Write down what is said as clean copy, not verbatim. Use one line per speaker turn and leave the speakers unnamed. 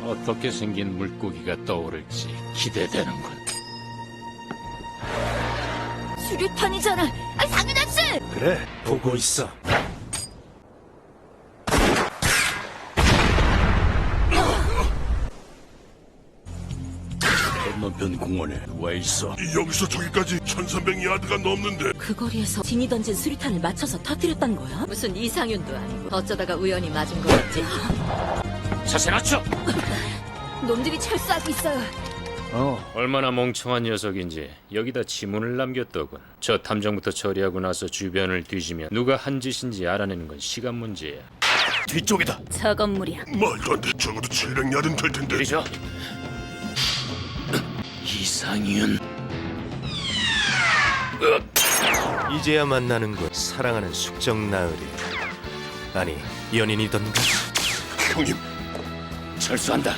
어떻게 생긴 물고기가 떠오를지 기대되는군.
수류탄이잖아. 아, 당연하지.
그래, 보고 있어. 건너편 공원에 누가 있어?
여기서 저기까지 1300야드가 넘는데
그 거리에서 진이 던진 수류탄을 맞춰서 터뜨렸단 거야? 무슨 이상윤도 아니고 어쩌다가 우연히 맞은 거였지?
자세 낮춰!
놈들이 철수하고 있어요.
얼마나 멍청한 녀석인지 여기다 지문을 남겼더군. 저 탐정부터 처리하고 나서 주변을 뒤지면 누가 한 짓인지 알아내는 건 시간 문제야.
뒤쪽이다.
저 건물이야.
말도 안 돼. 적어도 700야드는 될 텐데.
이리 줘. 이상윤.
이제야 만나는군. 사랑하는 숙적 나으리. 아니, 연인이던가?
형님,
철수한다.